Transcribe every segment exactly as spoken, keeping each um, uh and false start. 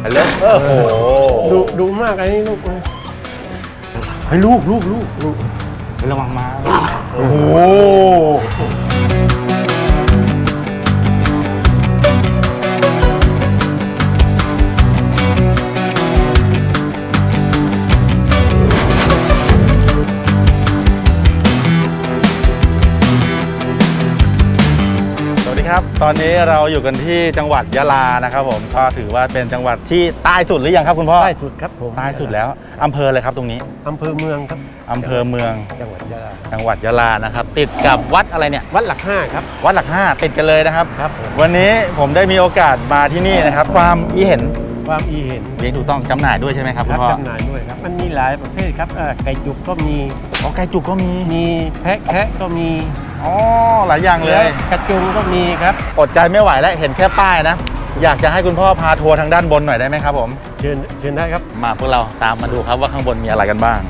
ฮัลโหลโอ้โหดูดูมากไอ้นี่ลูกเฮ้ยลูกลูกลูกลูกระวังมาโอ้โหครับตอนนี้เราอยู่กันที่จังหวัดยะลานะครับผมก็ถือว่าเป็นจังหวัดที่ใต้สุดหรือยังครับคุณพ่อใต้สุดครับผมใต้สุดแล้วอำเภออะไรครับตรงนี้อำเภอเมืองครับอำเภอเมืองจังหวัดยะลาจังหวัดยะลานะครับติดกับวัดอะไรเนี่ยวัดหลักห้าครับวัดหลักห้าติดกันเลยนะครับครับวันนี้ผมได้มีโอกาสมาที่นี่นะครับฟาร์มอีเห็นฟาร์มอีเห็นเลี้ยงถูกต้องจำหน่ายด้วยใช่ไหมครับคุณพ่อจำหน่ายด้วยครับมันมีหลายประเภทครับไก่จุกก็มีอ๋อไก่จุกก็มีมีแพะแคะก็มีอ๋อหลายอย่างเลยกระจุงก็มีครับอดใจไม่ไหวแล้วเห็นแค่ป้ายนะอยากจะให้คุณพ่อพาทัวร์ทางด้านบนหน่อยได้ไหมครับผมเชิญเชิญได้ครับมาพวกเราตามมาดูครับว่าข้างบนมีอะไรกันบ้าง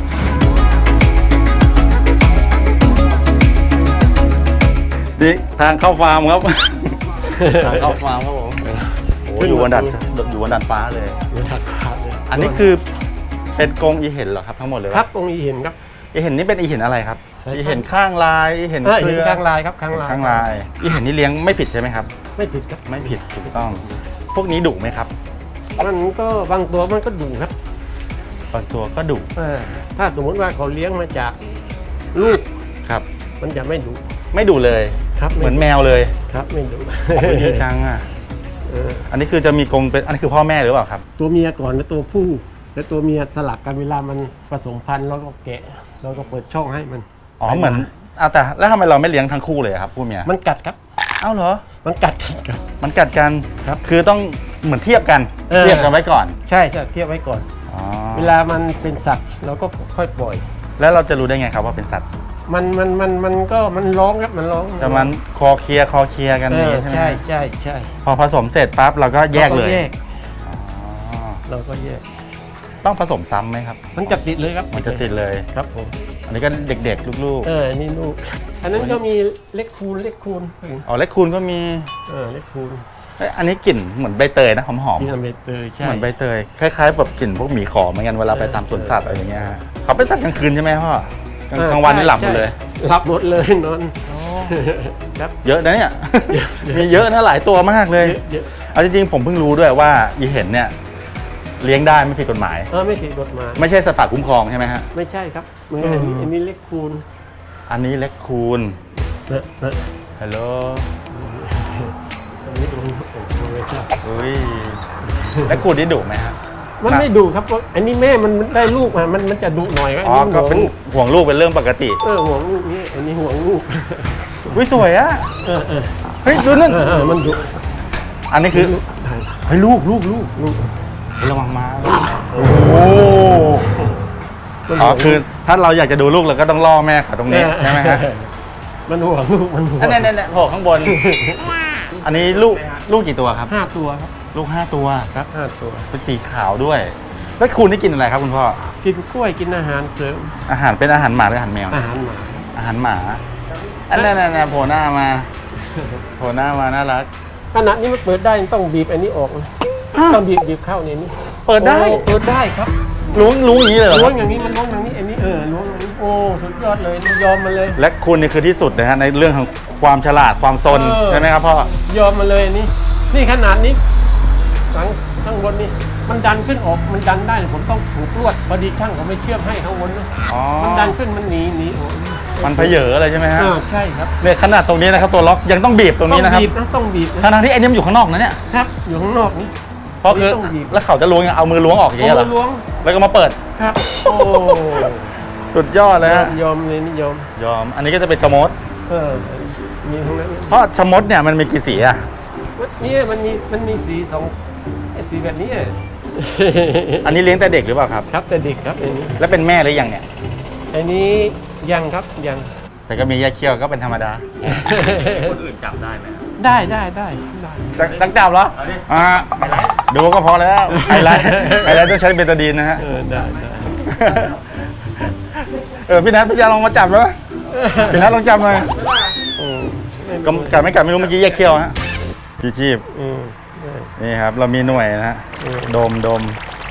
ดิทางเข้าฟาร์มครับทางเข้าฟาร์มครับผมโอ้อยู่บนดันอยู่บนดันฟ้าเลยอันนี้คือเป็นกรงอีเห็นเหรอครับทั้งหมดเลยครับกรงอีเห็นครับอีเห็นนี่เป็นอีเห็นอะไรครับอีเห็นข้างลายอีเห็นเครือข้างลายครับข้างลายข้างลายอีเห็นนี่เลี้ยงไม่ผิดใช่ไหมครับไม่ผิดครับไม่ผิดถูกต้องพวกนี้ดุไหมครับมันก็บางตัวมันก็ดุครับบางตัวก็ดุถ้าสมมติว่าเขาเลี้ยงมาจากลูกครับมันจะไม่ดุไม่ดุเลยครับเหมือนแมวเลยครับไม่ดุดีจังอ่ะอันนี้คือจะมีกรงเป็นอันนี้คือพ่อแม่หรือเปล่าครับตัวเมียก่อนแล้วตัวผู้แล้วตัวเมียสลับกันเวลามันผสมพันธุ์แล้วก็แกะเราก็เปิดช่องให้มันอ๋อเหมือนเอาแต่แล้วทำไมเราไม่เลี้ยงทั้งคู่เลยครับผู้เมียมันกัดครับเอ้าเหรอมันกัดกันมันกัดกันครับคือต้องเหมือนเทียบกันเทียบกันไว้ก่อนใช่ใช่เทียบไว้ก่อนเวลามันเป็นสัตว์เราก็ค่อยปล่อยแล้วเราจะรู้ได้ไงครับว่าเป็นสัตว์มันมันมันมันก็มันร้องครับมันร้องจะมันคอเคลียคอเคลียกันนี่ใช่ใช่ใช่พอผสมเสร็จปั๊บเราก็แยกเลยเราก็แยกต้องผสมซ้ำไหมครับมันจะติดเลยครับมันจะติดเลยครับผมอันนี้ก็เด็กๆลูกๆเออนี่ลูกอันนั้นก็มีเล็กคูณเล็กคูณอ๋อเล็กคูณก็มีเออเล็กคูณอันนี้กลิ่นเหมือนใบเตยนะหอมๆใบเตยใช่เหมือนใบเตยคล้ายๆแบบกลิ่นพวกหมีขอเหมือนกันเวลาไปตามสวนสัตว์อะไรอย่างเงี้ยเขาเป็นสัตว์กลางคืนใช่ไหมพ่อกลางวันนี่หลับหมดเลยหลับหมดเลยนอนครับเยอะนะเนี่ยมีเยอะนะหลายตัวมากเลยเอาจริงๆผมเพิ่งรู้ด้วยว่าอีเห็นเนี่ยเลี้ยงได้ไม่ผิดกฎหมายเออไม่ผิดกฎหมายไม่ใช่สัตว์ป่าคุ้มครองใช่ไหมฮะไม่ใช่ครับเหมือนอันนี้อันนี้เล็กคูณอันนี้เล็กคูณฮัลโหลอันนี้ดูไม่ใช่อุ้ยเล็กคูณนี่ดุไหมฮะมันไม่ดุครับอันนี้แม่มันได้ลูกมามันมันจะดุหน่อยก็อ๋อก็เป็นห่วงลูกเป็นเรื่องปกติเออห่วงลูกนี่อันนี้ห่วงลูกวิสวยอะเออเออเฮ้ยดูนั่นมันดุอันนี้คือเฮ้ยลูกลูกลูกลูกระวังมาโอ้อ๋อคือถ้าเราอยากจะดูลูกเราก็ต้องล่อแม่เขาตรงนี้ใช่ไหมฮะมันห่วงลูกมันห่วงอันนี้เนี่ยโผล่ข้างบนอันนี้ลูกลูกกี่ตัวครับห้าตัวครับลูกห้าตัวครับห้าตัวเป็นสีขาวด้วยแล้วคุณนี่กินอะไรครับคุณพ่อกินกล้วยกินอาหารเสริมอาหารเป็นอาหารหมาหรืออาหารแมวอาหารหมาอาหารหมาอันนั้นน่ะโผล่หน้ามาโผล่หน้ามาน่ารักขณะนี้มันเปิดได้ต้องบีบอันนี้ออกต้องบีบบีบเข้าในนี้เปิดได้เปิดได้ครับล้วงล้วงอย่างนี้เลยเหรอล้วงอย่างนี้มันล้วงอย่างนี้อันนี้เออล้วงอย่างนี้โอ้สุดยอดเลยยอมมาเลยและคุณนี่คือที่สุดนะฮะในเรื่องของความฉลาดความซนใช่ไหมครับพ่อยอมมาเลยนี่นี่ขนาดนี้หลังข้างบนนี่มันดันขึ้นออกมันดันได้ผมต้องผูกลวดพอดีช่างเขาไม่เชื่อมให้ข้างบนนะมันดันขึ้นมันหนีหนีมันเพเยออะไรใช่ไหมฮะใช่ครับเนี่ยขนาดตรงนี้นะครับตัวล็อกยังต้องบีบตรงนี้นะครับต้องบีบนะต้องบีบทั้งที่ไอ้นี่มันอยู่ข้างนอกนะเนี่ยครับอยู่ข้างนอกนี่เพราะคือแล้วเขาจะล้วงเอามือล้วงออกอย่างเงี้ยเหรอแล้วก็มาเปิดครับโอ้สุดยอดเลยฮะยอมเลยนี่ยอมยอมอันนี้ก็จะเป็นชมดเออมีทั้งนั้นเพราะชมดเนี่ยมันมีกี่สีอ่ะนี่มันมีมันมีสีสองสีแบบนี้อันนี้เลี้ยงแต่เด็กหรือเปล่าครับครับแต่เด็กครับอันนี้แล้วเป็นแม่หรือยังเนี่ยอันนี้ยังครับยังแต่ก็มีแยกเขี้ยวก็เป็นธรรมดาคนอื่นจับได้ไหมได้ได้ได้ได้จังจับเหรออ่าดูก็พอแล้วไฮไลท์ไฮไลท์ต้องใช้เบตาดีนนะฮะได้ได้เออพี่นัทพี่ยาลองมาจับแล้วพี่นัทลองจับหน่อยกัดไม่กัดไม่รู้เมื่อกี้แยกเขี้ยวฮะพี่ชีพนี่ครับ เรามีหน่วยนะฮะเออดมดม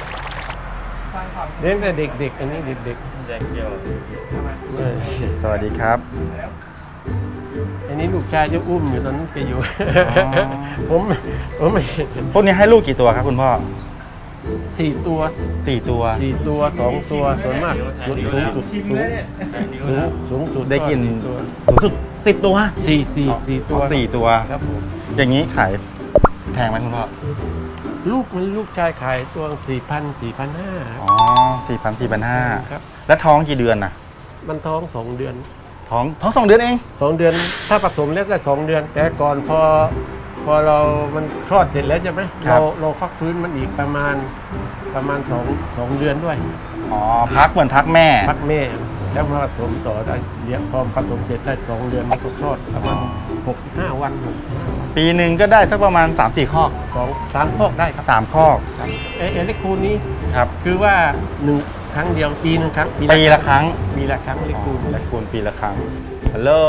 เลี้ยงแต่เด็กๆอันนี้เด็กแดงเขียวๆเออสวัสดีครับอันนี้ลูกชายจะอุ้มอยู่ตอนนั้นแกอยู่อ๋อผมผมไม่พวกนี้ให้ลูกกี่ตัวครับคุณพ่อสี่ตัวสี่ตัวสี่ตัวสองตัวส่วนมากสูงสูงสุดสูงสูงสูงสุดได้กินตัวสูงสุดสิบตัวสี่สี่สี่ตัวสี่ตัวครับผมอย่างนี้ขายแพงไหมคุณพ่อลูกมันลูกชายขายตัวสี่พันสี่พันห้าอ๋อสี่พันสี่พันห้าครับแล้วท้องกี่เดือนนะมันท้องสองเดือนท้องท้องสองเดือนเองสองเดือนถ้าผสมแล้วได้สองเดือน แต่ก่อนพอพอเรามันคลอดเสร็จแล้วใช่ไหมเราเราฟักฟื้นมันอีกประมาณประมาณสองสองเดือนด้วยอ๋อพักเหมือนพักแม่พักแม่แล้วมาผสมต่อได้เลี้ยงพอผสมเสร็จได้สองเดือนมันก็คลอดประมาณหกสิบห้าวันหกสิบห้าวันปีหนึ่งก็ได้สักประมาณสามสี่ข้อกสองสามพอกได้ครับสามข้อกเอเอเล็กคูณนี้ครับคือว่าหนึ่งครั้งเดียวปีหนึ่งครั้งปีละครั้งปีละครั้งเล็กคูณและคูณปีละครั้งฮัลโหล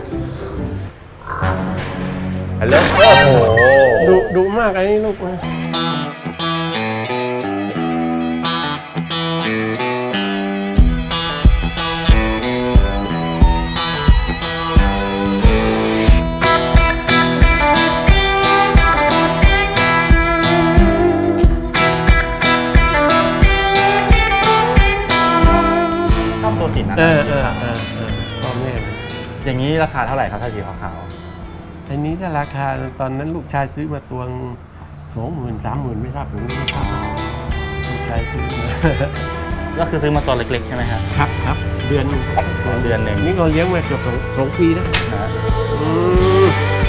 ฮัลโหลโอ้โหดุดุมากไอ้นี่ลูกชอบตัวสีนั้นเออเออเออเออพ่อแม่นะอย่างนี้ราคาเท่าไหร่ครับถ้าสีขาวอันนี้ถ้าราคาตอนนั้นลูกชายซื้อมาตัวสองหมื่นสามหมื่นไม่ทราบถึงไม่ทราบลูกชายซื้อมาๆก็คือซื้อมาตัวเล็กๆใช่ไหมครับครับครับเดือนหนึ่งเดือนหนึ่งนี่เราเลี้ยงมาเกือบสองสองปีนะนะฮะอืม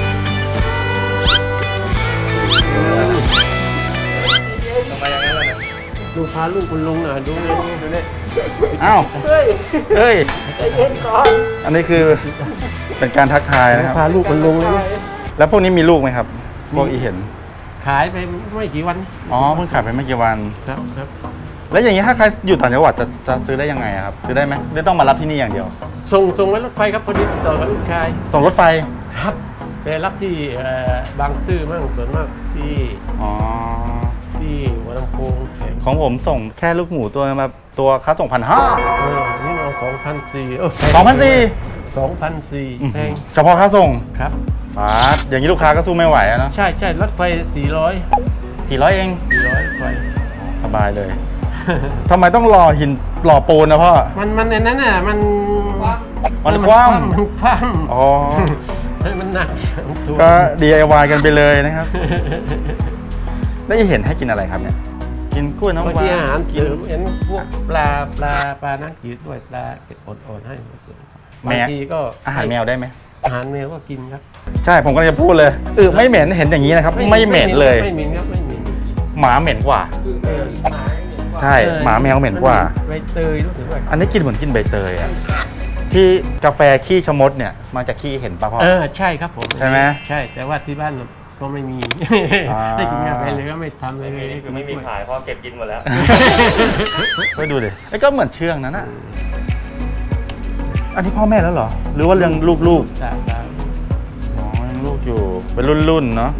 ทำไมอย่างนั้นล่ะเนี่ยดูพาลูกคุณลุงหน่อยดูนี่ดูนี่อ้าวเฮ้ยเฮ้ยใจเย็นก่อนอันนี้คือเป็นการทักทายนะครับพาลูกคุณลุงเลยนะแล้วพวกนี้มีลูกไหมครับ พวกอีเห็นขายไปไม่กี่วันอ๋อเพิ่งขายไปไม่กี่วันครับครับแล้วอย่างนี้ถ้าใครอยู่ต่างจังหวัดจะจะซื้อได้ยังไงอะครับ ซื้อได้ไหมหรือต้องมารับที่นี่อย่างเดียวส่งส่งไว้รถไฟครับพอดีติดต่อกับลูกชายส่งรถไฟครับไปรับที่เอ่อบางซื่อมั่งส่วนมากที่อ๋อที่หัวลำโพงแข่งของผมส่งแค่ลูกหมูตัวมาตัวค่าส่งพันห้าเออนี่เอาสองพันสี่สองพันสี่สองพันสี่แพงเฉพาะค่าส่งครับปาดอย่างนี้ลูกค้าก็สู้ไม่ไหวอะเนาะใช่ใช่รถไฟสี่ร้อยสี่ร้อยเองสี่ร้อยไฟสบายเลย ทำไมต้องรอหินหล่อปูนนะพ่อมันมันในนั้นน่ะมันมันคว่ำมันคว่อ๋อำให้มันหนักถูกก็ ดี ไอ วาย กันไปเลยนะครับ แล้วจะเห็นให้กินอะไรครับเนี่ย กินกล้วยน้ำบางว้าทีอาหารเสริมเห็นพวกปลาปลาปลาน้ำจืดด้วยปลาเป็ดอ่อนๆให้บางทีก็อาหารแมวได้ไหมอาหารแมวก็กินครับใช่ผมก็จะพูดเลยเออไม่เหม็นเห็นอย่างนี้นะครับ ไม่เหม็นเลยไม่เหม็นครับไม่เหม็นหมาเหม็นกว่าเออใช่หมาแมวเหม็นกว่าใบเตยรู้สึกว่าอันนี้กินเหมือนกินใบเตยอะที่กาแฟขี้ชะมดเนี่ยมาจากขี้เห็นปะพ่อเออใช่ครับผมใช่ไหมใช่แต่ว่าที่บ้านเราก็ไม่มีอ่าให้กินกาแฟเลยก็ไม่ทำเลยนี่คือไม่มีขายเพราะเก็บกินหมดแล้วไปดูดิไอ้ก็เหมือนเชื่องนั่นน่ะอันนี้พ่อแม่แล้วเหรอ หรือว่าเรื่องลูกสาสาๆอ๋อยังลูกอยู่เป็นรุ่นๆเนาะ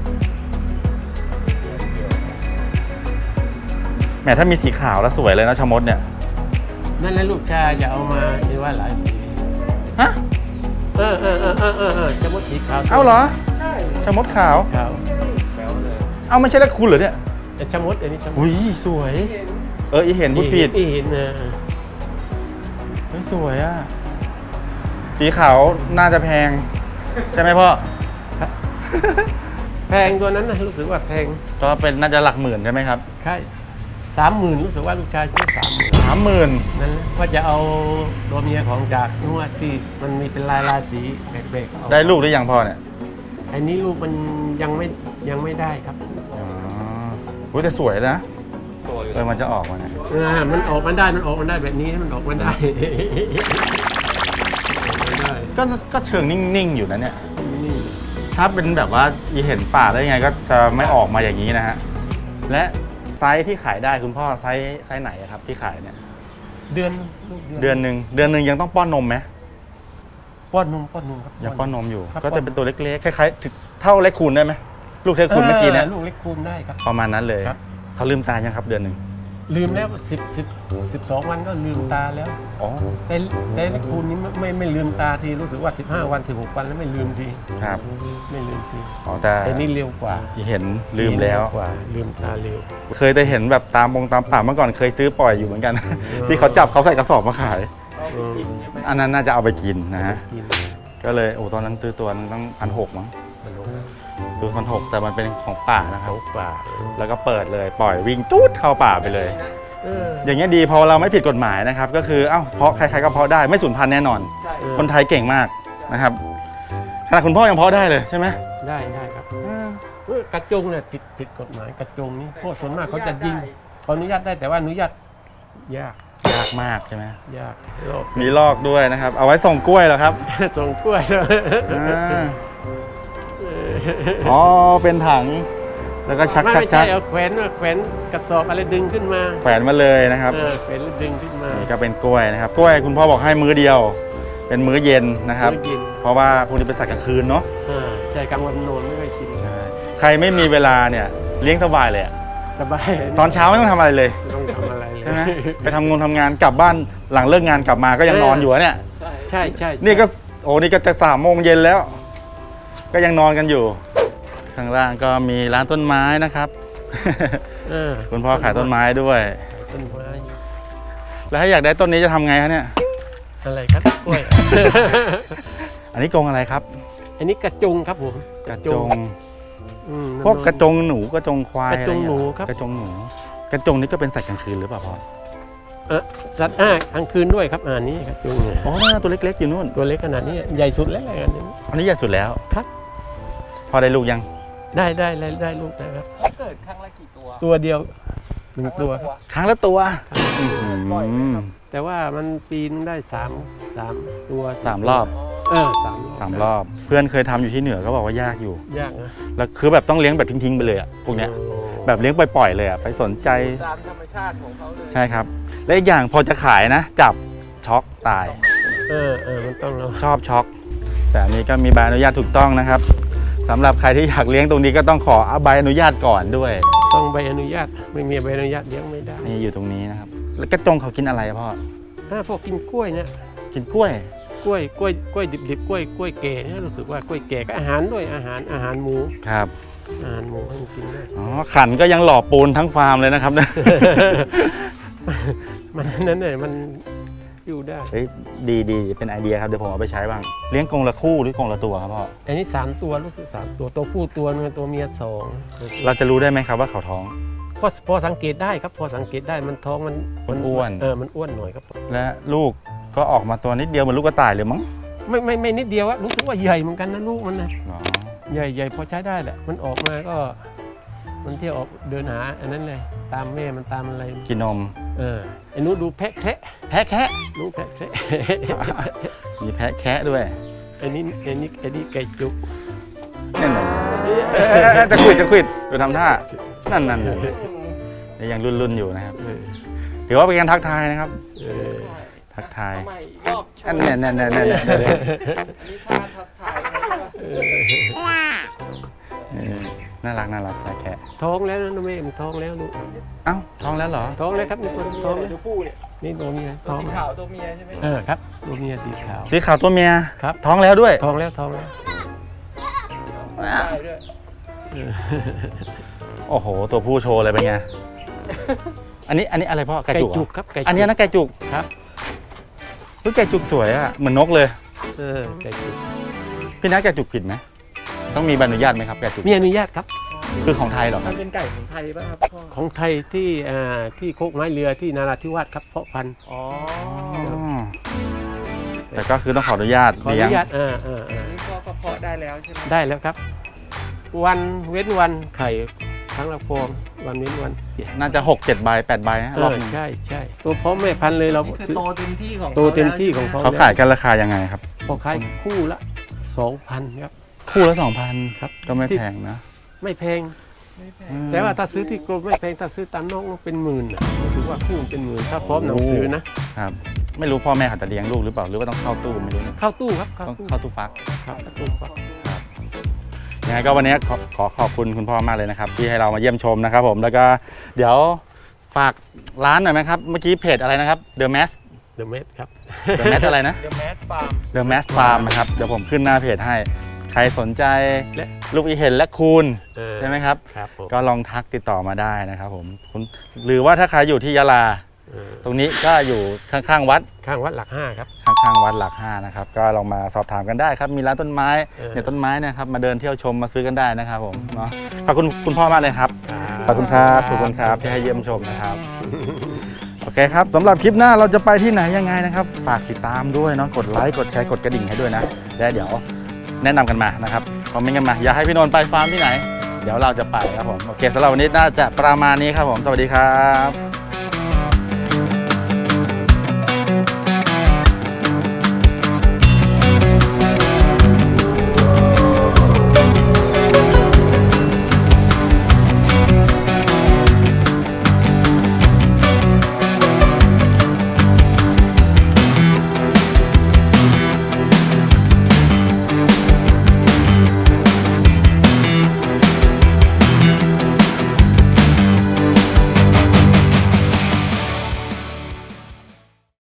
แหมถ้ามีสีขาวแล้วสวยเลยนะชะมดเนี่ยนั่นแหละลูกชายจะเอามาเรียกว่าหลายสีฮะเออเออเออเออเออเออจะมดสีขาวเอ้าเหรอชะมดขาวขาวแป๊วเลยเอ้าไม่ใช่แล้วคุณเหรอเนี่ยแต่ชะมดอันนี้ชะมดอุ้ยสวย เอออีเห็นพูดผิดอีเห็นเออเฮ้ยสวยอ่ะสีขาวน่าจะแพง ใช่ไหมพ่อแพงตัวนั้นนะรู้สึกว่าแพงก็เป็นน่าจะหลักหมื่นใช่ไหมครับใช่สามหมื่นรู้สึกว่าลูกชายซื้อสามหมื่นสามหมื่นนั่นแหละว่าจะเอาตัวเมียของจากนวดที่มันมีเป็นลายลายสีแบกๆเอาได้ลูกหรือยังพ่อเนี่ยอันนี้ลูกมันยังไม่ยังไม่ได้ครับอ๋ออุ๊ยแต่สวยนะตัวอยู่เออมันจะออกมาเนี่ยอ่ามันออกมาได้มันออกมาได้แบบนี้มันออกมาได้ ออกมาได้ก็ก็เชิงนิ่งๆอยู่นะเนี่ยนี่ถ้าเป็นแบบว่าอีเห็นป่าได้ยังไงก็จะไม่ออกมาอย่างนี้นะฮะ และไซส์ที่ขายได้คุณพ่อไซส์ไซส์ไหนอะครับที่ขายเนี่ยเดือนลูกเดือนหนึ่งเดือนหนึ่งยังต้องป้อนนมไหมป้อนนมป้อนนมครับยังป้อนนมอยู่ครับก็จะเป็นตัวเล็กๆคล้ายๆถึงเท่าเล็กคูณได้ไหมลูกเทคุณเมื่อกี้เนี่ยลูกเล็กคูณได้ครับประมาณนั้นเลยครับเขาลืมตายังครับเดือนหนึ่งลืมแล้วสิบสิบสิบสองวันก็ลืมตาแล้วอ๋อแต่แต่เล็กคูณนี้ไม่ไม่ไม่ลืมตาทีรู้สึกว่าสิบห้าวันสิบหกวันแล้วไม่ลืมทีครับไม่ลืมทีอ๋อแต่แต่นี่เร็วกว่าเห็นลืมแล้วเร็กว่าลืมตาเร็วเคยแต่เห็นแบบตามบงตามป่าเมื่อก่อนเคยซื้อปล่อยอยู่เหมือนกัน ที่เขาจับเขาใส่กระสอบมาขายอืมอันนั้นน่าจะเอาไปกินนะฮะกินก็เลยโอ้ตอนนั้นซื้อตัวนึงต้องพันหกมั้งมันลงซื้อพันหกแต่มันเป็นของป่านะครัเขาบกว่าแล้วก็เปิดเลยปล่อยวิ่งตูดเข้าป่าไปเลยเอออย่างเงี้ยดีพอเราไม่ผิดกฎหมายนะครับ ก็คือเอ้าเพาะใครๆก็เพาะได้ไม่สูญพันธุ์แน่นอนเออคนไทยเก่งมากนะครับขนาดคุณพ่อยังเพาะได้เลยใช่ไหมได้ได้ครับเออกระจงเนี่ยผิดผิดกฎหมายกระจงนี่พวกส่วนมากเขาจะยิงขออนุญาตได้แต่ว่าอนุญาตยากยากมากใช่ไหมยากโลกมีลอกด้วยนะครับ เอาไว้ส่งกล้วยเหรอครับส่งกล้วยเลยอ่าอ๋อเป็นถังแล้วก็ชักไม่ชักไม่ชัใช่กเอาแขวนแขวนกระสอบอะไรดึงขึ้นมาแขวนมาเลยนะครับเออแขวนแล้วดึงขึ้นมานี่ก็เป็นกล้วยนะครับกล้วยคุณพ่อบอกให้มื้อเดียว เป็นมื้อเย็นนะครับมื้อเย็นเพราะว่าพวกนี้เป็นสัตว์กลางคืนเนาะอ่าใช่กลางวันนอนไม่ค่อยกินใช่ใครไม่มีเวลาเนี่ยเลี้ยงสบายเลยอะสบายตอนเช้าไม่ต้องทำอะไรเลยไม่ต้องทำอะไรเลยใช่ไหมไปทำงานทำงานกลับบ้านหลังเลิกงานกลับมาก็ยังนอนอยู่อะเนี่ยใช่ใช่นี่ก็โอ้นี่ก็จะสามโมงเย็นแล้ว ก็ยังนอนกันอยู่ ข้างล่างก็มีร้านต้นไม้นะครับเออคุณพ่อขายต้นไม้ด้วยต้นไม้แล้วถ้าอยากได้ต้นนี้จะทำไงคะเนี่ยอะไรครับกล้วยอันนี้กรงอะไรครับอันนี้กระจงครับผมกระจงอืมพวกกระจงหนูกระจงควายกระจงอไเยหนูครับกระจงหนู กระจงนี่ก็เป็นสัตว์กลางคืนหรือเปล่าพ่อเออสัตว์อ่ากลางคืนด้วยครับอ่านี้กระจงเนี่ยอ๋อตัวเล็กๆอยู่นู่นตัวเล็กขนาดนี้ใหญ่สุดแล้วอะไรกันนี้อันนี้ใหญ่สุดแล้วครับพอได้ลูกยังได้ได้ได้ได้ลูกนะครับเขาเกิดครั้งละกี่ตัวตัวเดียวหนึ่งตัวครับครั้งละตัวปล่อยไหมอืมครับแต่ว่ามันปีนึงได้สามสามตัวสามรอบเออสามสามรอบ เพื่อนเคยทำอยู่ที่เหนือก็บอกว่ายากอยู่ยากนะแล้วคือแบบต้องเลี้ยงแบบทิ้งๆไปเลยอะพวกเนี้ยโอ้แบบเลี้ยงปล่อยๆเลยอะไปสนใจตามธรรมชาติของเขาเลยใช่ครับ และอีกอย่างพอจะขายนะ จับช็อกตายเออเออมันต้องเราชอบช็อก แต่อันนี้ก็มีใบอนุญาตถูกต้องนะครับสำหรับใครที่อยากเลี้ยงตรงนี้ก็ต้องขอใบอนุญาตก่อนด้วยต้องใบอนุญาตไม่มีใบอนุญาตเลี้ยงไม่ได้นี่อยู่ตรงนี้นะครับ แล้วกระจงเขากินอะไรอะพ่อถ้าพวกกินกล้วยเนี่ยกินกล้วยกล้วยกล้วยกล้วยดิบๆกล้วยกล้วยแก่เนี่ยรู้สึกว่ากล้วยแก่ก็อาหารด้วยอาหารอาหารหมูครับอาหารหมูให้มันกินได้อ๋อขันก็ยังหล่อปูนทั้งฟาร์มเลยนะครับเนี่ยมันนั่นเนี่ยมันอยู่ได้เฮ้ยดีดีเป็นไอเดียครับเดี๋ยวผมเอาไปใช้บ้างเลี้ยงกรงละคู่หรือกรงละตัวครับพ่ออันนี้สามตัวรู้สึกสามตัวตัวผู้ตัวนึงตัวเมียสองเราจะรู้ได้ไหมครับว่าเขาท้องพอพอสังเกตได้ครับพอสังเกตได้มันท้องมันมัอ้วนๆเออมันอ้วนหน่อยครับและลูกก็ออกมาตัวนิดเดียวเหมือนลูกกระต่ายเลยมั้งไม่ไม่ไม่นิดเดียวอะรู้สึกว่าใหญ่เหมือนกันนะลูกมันนะอ๋อใหญ่ใหญ่พอใช้ได้แหละมันออกมาก็ มันเที่ยวออกเดินหาอันนั้นเลยตามแม่มันตามอะไรกินนมเออไอ้หนูดูแพะแคระแพะแคะหนูแพะแคระมีแพะแคะด้วยอันนี้อันนี้อันนี้ไก่จุกนั่นน่ะเอ๊ะเอ๊ะเอ๊ะจะขวิดจะขวิดดูทำท่านั่นนั่นนั่นยังรุ่นๆอยู่นะครับเออถือว่าเป็นการทักทายนะครับเออทักทายทำไมรอบโชอันว์เนี้ยเนี่ยเนี่ยเนี่ยเนี่ยเนี่ยอันนี้ท่าทักทายไงใช่ปะเออเออน่ารักน่ารักแพะแคะท้องแล้วนะแม่มันท้องแล้วลูกเอ้าท้องแล้วเหรอท้องแล้วครับนี่ตัวท้องแล้วตัวผู้เนี่ยนี่ตัวเมียตัวท้องสีขาวตัวเมียใช่ไหมเออครับตัวเมียสีขาวสีขาวตัวเมียครับท้องแล้วด้วยท้องแล้วท้องแล้วได้ด้วยเออโอ้โห ตัวผู้โชว์เลยเป็นไง อันนี้อันนี้อะไรพ่อไก่ไก่จุกเหรจุอกครับไก่จุกอันนี้นะไก่จุกครับเฮ้ยไก่จุกสวยอะเหมือนนกเลยเออไก่จุกพี่นัทไก่จุกผิดไหมต้องมีใบอนุญาตไหมครับไก่จุกมีอนุญาตครับคือของไทยเหรอคมัรับนเป็นไก่ของไทยป่ะครับพ่อของไทยที่อ่าที่โคกไม้เรือที่นาราธิวาสครับเพาะพันธุ์อ๋ออ๋อแต่ก็คือต้องขออนุญาตขออเลี้ยงนุญาตอ่าอ่าอัอ่านนี้พ่อก็เพาะได้แล้วใช่ไหมได้แล้วครับ วันเว้นวันไข่ครั้งละฟองวันเว้นวันน่าจะหกเจ็ดใบแปดใบนะเอรอบอหนึงใช่ใช่ตัวพร้อมแม่พันธุ์เลยเรานี่คือซื้อโตเต็มที่ของโตเต็มที่ของเขาเขาขายกันราคายังไงครับพอขายคู่ละสองพันครับคู่ละสองพันครับก็ไม่แพงนะไม่แพงไม่แพอืงมแต่ว่าถ้าซื้อที่กรมไม่แพงถ้าซื้อตามนอกเป็นหมื่นนะถือว่าคู่เป็นหมื่นถ้าพร้อมหนังสือนะครับไม่รู้พ่อแม่เขาจะเลี้ยงลูกหรือเปล่าหรือว่าต้องเข้าตู้ไม่รู้นะเข้าตู้ครับเข้าต้องตู้เข้าตู้ฟักครับเข้าตู้ครับยยังไงก็วันนี้ขอขอขอบคุณคุณพ่อมากเลยนะครับที่ให้เรามาเยี่ยมชมนะครับผมแล้วก็เดี๋ยวฝากร้านหน่อยไหมครับเมื่อกี้เพจอะไรนะครับ The Mass The Mass ครับ The Mass อะไรนะเดอะแมสฟาร์ม The Mass Farm นะครับเดี๋ยวผมขึ้นหน้าเพจให้ใครสนใจและลูกอีเห็นและคูณเออใช่ไหมครับครับผมก็ลองทักติดต่อมาได้นะครับผมคุณหรือว่าถ้าใครอยู่ที่ยะลาเออตรงนี้ก็อยู่ข้างๆวัดข้างวัดหลักห้าครับข้างๆวัดหลักห้านะครับก็ลองมาสอบถามกันได้ครับมีร้านต้นไม้เออเนี่ยต้นไม้เนะครับมาเดินเที่ยวชมมาซื้อกันได้นะครับผมเนาะขอบคุณคุณพ่อมากเลยครับ ขอบคุณครับขอบคุณครับที่ให้เยี่ยมชมนะครับ โอเคครับสำหรับคลิปหน้าเราจะไปที่ไหนยังไงนะครับฝากติดตามด้วยเนาะกดไลค์กดแชร์กดกระดิ่งให้ด้วยนะและเดี๋ยวแนะนำกันมานะครับคอมเมนต์กันมาอยากให้พี่นนท์ไปฟาร์มที่ไหน เดี๋ยวเราจะไปครับผมโอเคสำหรับวันนี้น่าจะประมาณนี้ครับผมสวัสดีครับ